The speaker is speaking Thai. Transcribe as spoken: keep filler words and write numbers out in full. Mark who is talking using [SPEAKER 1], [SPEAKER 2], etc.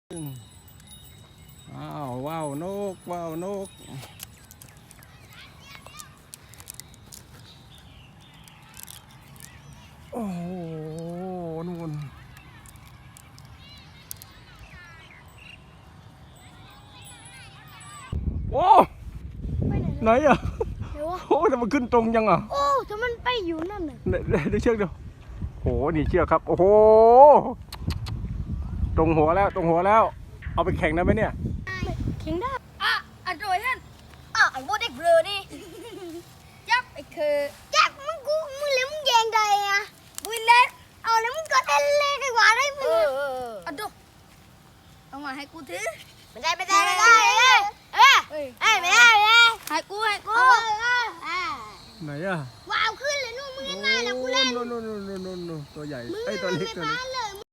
[SPEAKER 1] อ้าวว้าวนกว้าวนกโอ้โหนู่นโอ้ไหนอ่ะโอ้แต่มันขึ้นตรงยังอ่ะ
[SPEAKER 2] โอ้แต่มันไปอยู่นั่นน่ะ
[SPEAKER 1] ได้เชือกเดียวโหนี่เชือกครับโอ้โหตรงหัวแล้วตรงหัวแล้วเอาไปแข่งได้ไหมเนี่ย
[SPEAKER 2] แข่งได้อ่ะอ่ะโดยท่านอ่ะไอ้โบเด็กเบลอนี่ยับไอ้คือยับมึงกูมึงเลี้ยมึงแยงใดอ่ะบุยเล็กเอาแล้วมึงก็เล่นเล่นดีกว่าได้มึงอ่ะดูเอามาให้กูถือไม่ได้ไม่ได้ไม่ได้เอ้ยเอ้ยเอ้ยไม่ได้ไม่ได้ให้กูให้กู
[SPEAKER 1] ไหนอ่ะ
[SPEAKER 2] ว้าวขึ้นเลยนู่นมึงเล่นมาแล้วกูเล่น
[SPEAKER 1] นู่นนู่นนู่นนู่นตัวใหญ่ไอ้ตัวเล็กตัวเล็ก